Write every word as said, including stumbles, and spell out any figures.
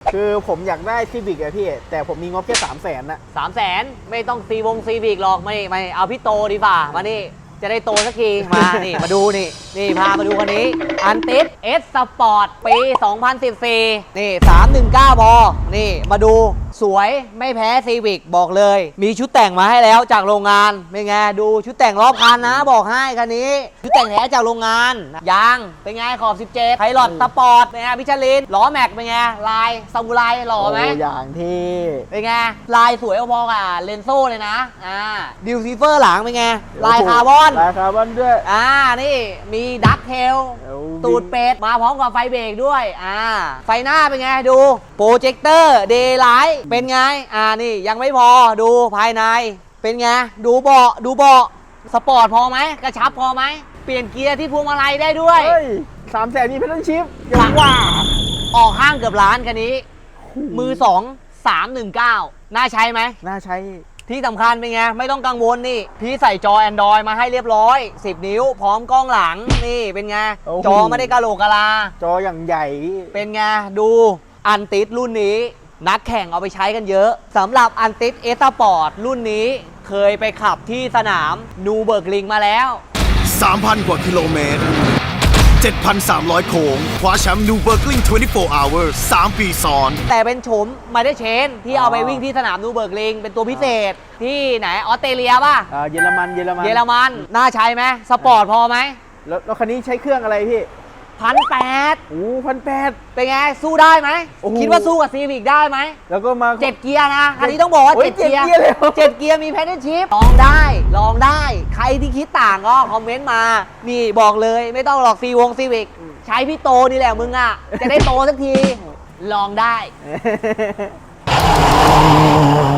คือผมอยากได้ซีวิกอะพี่แต่ผมมีงบแค่สามแสนนะสามแสนไม่ต้องซีวงซีวิกหรอกมานี่มาเอาพี่โตดีกว่ามานี่จะได้โตสักทีมา นี่มาดูนี่นี่พามาดูคันนี้อันติสเอสสปอร์ตปีสองพันสิบสี่นี่สามหนึ่งเก้าพอนี่มาดูสวยไม่แพ้ซีวิกบอกเลยมีชุดแต่งมาให้แล้วจากโรงงานเป็นไงดูชุดแต่งรอบคันนะบอกให้คันนี้ชุดแต่งแท้จากโรงงานยางเป็นไงขอบสิบเจ็ดไพลอตสปอร์ตเป็นไงมิชลินล้อแม็กเป็นไงลายซามูไรหล่อไหมโอ้อย่างที่เป็นไงลายสวยพอๆกับเลนโซ่เลยนะอ่าดิวซีเฟอร์หลังเป็นไงลายคาร์บอนลายคาร์บอนด้วยอ่านี่มีดักเทลเอาตูดเป็ดมาพร้อมกับไฟเบรกด้วยอ่าไฟหน้าเป็นไงดูโปรเจคเตอร์เดย์ไลท์เป็นไงอ่านี่ยังไม่พอดูภายในเป็นไงดูเบาะดูเบาะสปอร์ตพอไหมกระชับพอไหมเปลี่ยนเกียร์ที่พวงมาลัยได้ด้วยเฮ้ยสามแสนมีเพดานชิปหลังว่าออกห้างเกือบล้านคันนี้มือสองสามหนึ่งเก้าน่าใช้ไหมน่าใช้ที่สำคัญเป็นไงไม่ต้องกังวลนี่ พี่ใส่จอ Android มาให้เรียบร้อยสิบนิ้วพร้อมกล้องหลังนี่เป็นไง จอไม่ได้กะโหลกกะลาจออย่างใหญ่เป็นไงดูอันติสรุ่นนี้ นักแข่งเอาไปใช้กันเยอะสำหรับอันติสเอสปอร์ตรุ่นนี้เคยไปขับที่สนามนูเบิร์กลิงมาแล้วสามพัน กว่ากิโลเมตร เจ็ดพันสามร้อย โค้งคว้าแชมป์นูเบิร์กลิงยี่สิบสี่ hours สามปีซ้อนแต่เป็นโฉมมาได้เชนที่เอาไปวิ่งที่สนามนูเบิร์กลิงเป็นตัวพิเศษที่ไหนออสเตรเลียป่ะอ่าเยอรมันเยอรมันเยอรมันน่าใช้ไหมสปอร์ตพอไหมแล้วแล้วคันนี้ใช้เครื่องอะไรพี่พันแปดโอ้พันแปดเป็นไงสู้ได้ไหมโอ้โหคิดว่าสู้กับซีวิกได้ไหมแล้วก็มาเจ็ดเกียร์นะอันนี้ต้องบอกว่าโอ้ยเจ็ดเกียร์เจ็ดเกียร์เลยเหรอเจ็ดเกียร์มีแพดเดิลชิพลองได้ลองได้ ใครที่คิดต่างก็คอมเมนต์มา นี่บอกเลยไม่ต้องหรอกซีวงซีวิกใช้พี่โตนี่แหละมึงอ่ะ จะได้โตสักที ลองได้